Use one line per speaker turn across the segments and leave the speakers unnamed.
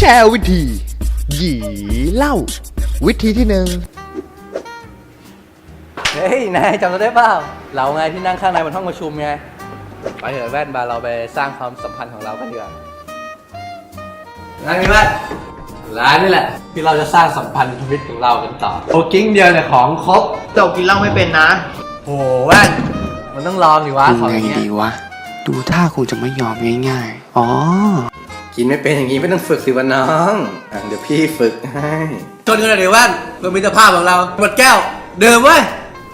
แชร์วิธีหยีเล่าวิธีที่หนึ่ง
เฮ้ยนายจำเราได้เปล่าเราไงที่นั่งข้างในบนห้องประชุมไงไปเถอะแว่นบาเราไปสร้างความสัมพันธ์ของเรากันดีกว่านั่งนี่แว่นร้านนี่แหละที่เราจะสร้างสัมพันธ์ชีวิตของเรากันต่อโอกิ้งเดียวเนี่ยของครบ
เจ้ากินเหล้าไม่เป็นนะ
โอ้แว่นมันต้องลองดิวะของ
ไง
อย่างเงี้ย
ดีวะ ดูท่าคงจะไม่ยอมง่ายๆ อ๋อ
กินไม่เป็นอย่างงี้ไม่ต้องฝึกสิวะน้องเดี๋ยวพี่ฝึกให้ชนกันเลยดิแว่นเพื่อมิตรภาพของเราหมดแก้วเดิมเว้ย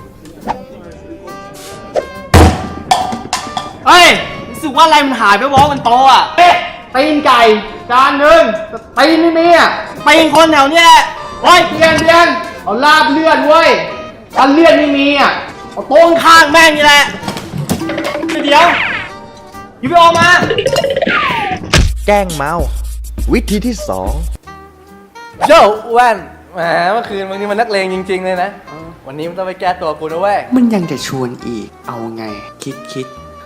เฮ้ยรู้สึกว่าอะไรมันหายไปวะมันโตอ่ะตีนไก่จานหนึ่งตีนไม่มีอ่ะตีนคนแถวเนี้ยเฮ้ยเพียนเอาลาบเลือดเว้ยถ้าเลือดไม่มีอ่ะเอาโต้งข้างแม่งนี่แหละเดี๋ยวยูไปออกมา
แกล้งเมาวิธีที่สอง
โย่แว่นแหมเมื่อคืนมึงนี่มันนักเลงจริงๆเลยนะวันนี้มันต้องไปแก้ตัวกูนะเว้ย
มันยังจะชวนอีก เอาไง คิด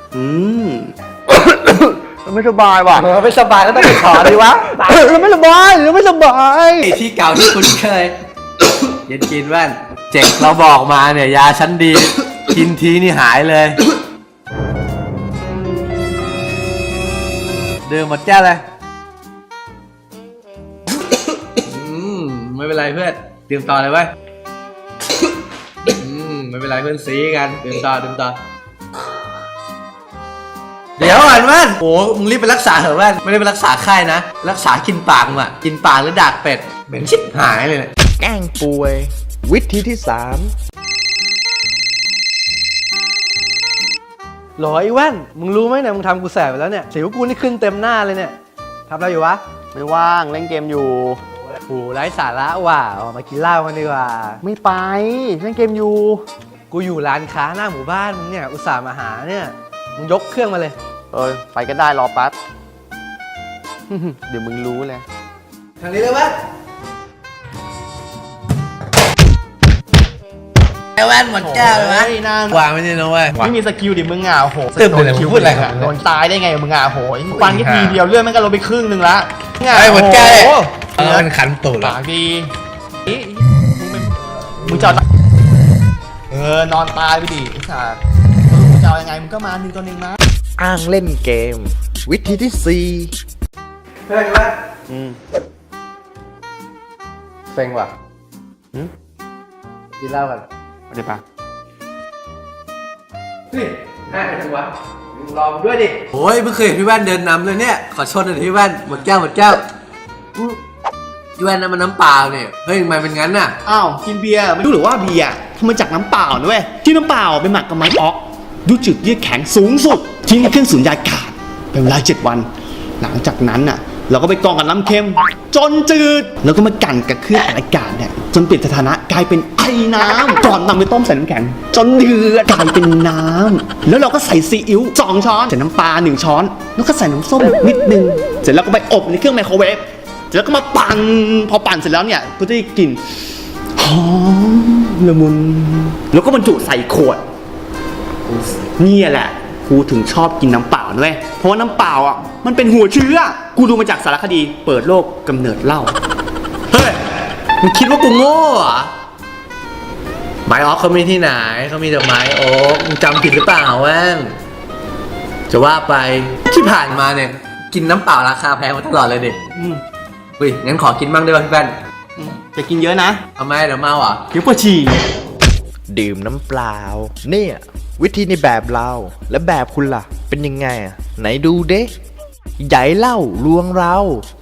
มันไม่สบายว่ะ
ไม่สบายก็ต้องไปขอดีวะ
เราไม่สบาย
ที่เก่าที่คุณเคย เย็นกินแว่นเจ็กเราบอกมาเนี่ยยาชั้นดี กินทีนี่หายเลยดื่มหมดแก้วเลยไม่เป็นไรเพื่อนดื่มต่อเลยเว้ยไม่เป็นไรเพื่อนซีกันดื่มต่อเดี๋ยวก่อนแว่นโอ้มึงรีบไปรักษาเถอะแว่นไม่ได้ไปรักษาไข้นะรักษากินปากมึงอะกินปากหรือดากเป็ดเหม็นชิบหายเลย
แกล้งป่วยวิธีที่สาม
หรอไอ้แว่นมึงรู้ไหมเนี่ยมึงทำกูแสบไปแล้วเนี่ยสิวกูนี่ขึ้นเต็มหน้าเลยเนี่ยทำอะไรอยู่วะ
ไม่ว่างเล่นเกมอยู่
โอ้ไร้สาระว่ะออกมากินเหล้ากันดีกว่า
ไม่ไปเล่นเกมอยู่
กูอยู่ร้านค้าหน้าหมู่บ้านมึงเนี่ยอุตส่าห์มาหาเนี่ยมึงยกเครื่องมาเลย
ไปก็ได้รอแป๊บ เดี๋ยวมึงรู้เลย
ทางนี้เลยแว่นไอ้แว่นหมดแก้วเลยวะวางไม่ได้นะเว้ย
ไม่มีสกิลดิมึงอ่ะโอ้โห
ตึ๊บเลยมึงพูดอะไรครับ
โดนตายได้ไงมึงอ่ะโหยฟันแค่ทีเดียวเลือดมันก็ลดไปครึ่งนึงละ
ไอ้หมดแก้ว
โอ้โห
มันขันตูด
ปากดีมึงจะนอนตายไปดิไอ้สัสมึงจะเอายังไงมึงก็มา1 ต่อ 1นะ
อ้างเล่นเกม วิธีที่สี่
เฮ้ยแว่นเซ็งว่ะกินเหล้ากัน
เดี๋ยวปะ
นี่ง่ายจังวะมึงรอมด้วยดิโอ้ยเพิ่งเคยเห็นพี่แว่นเดินนำเลยเนี่ยขอชนหน่อยพี่แว่นหมดแก้วพี่แว่นนั่นมันน้ำเปล่าเนี่ยเฮ้ยทำไมเป็นงั้นน่ะ
อ้าวกินเบียร์ไม่รู้หรือว่าเบียร์ทำมาจากน้ำเปล่านะเว้ยที่น้ำเปล่าไปหมักกับไม้ออกดูจืดเยือกแข็งสูงสุดทิ้งเครื่องสูญญากาศเป็นเวลา7 วันหลังจากนั้นน่ะเราก็ไปกรองกับน้ำเค็มจนจืดแล้วก็มากั่นกับเครื่องอัดอากาศเนี่ยจนเปลี่ยนสถานะกลายเป็นไอ้น้ำก่อนนำไปต้มใส่น้ำแข็งจนเดือดกลายเป็นน้ำแล้วเราก็ใส่ซีอิ๊ว2 ช้อนใส่น้ำปลา1 ช้อนแล้วก็ใส่น้ำส้มนิดนึงเสร็จแล้วก็ไปอบในเครื่องไมโครเวฟเสร็จแล้วก็มาปั่นพอปั่นเสร็จแล้วเนี่ยก็จะได้กลิ่นหอมละมุนแล้วก็บรรจุใส่ขวดนี่แหละกูถึงชอบกินน้ำเปล่าด้วยเพราะว่าน้ำเปล่าอ่ะมันเป็นหัวเชื้อกูดูมาจากสารคดีเปิดโลกกำเนิดเหล้า
เฮ้ยมึงคิดว่ากูโง่เหรอไม้ออกเขามีที่ไหนเขามีแต่ไม้โอ๊กมึงจำผิดหรือเปล่าแว่นจะว่าไปที่ผ่านมาเนี่ยกินน้ำเปล่าราคาแพงมาตลอดเลยดิเฮ้ยงั้นขอกินบ้างได้ป่ะพี่แว่น
จะกินเยอะนะ
ทำไมเดี๋ยวเมาอ่ะ
เดี๋ยวปวดฉี่
ดื่มน้ำเปล่าเนี่ยวิธีในแบบเราและแบบคุณล่ะ เป็นยังไงอ่ะไหนดูเด้ใหญ่เล่าลวงเรา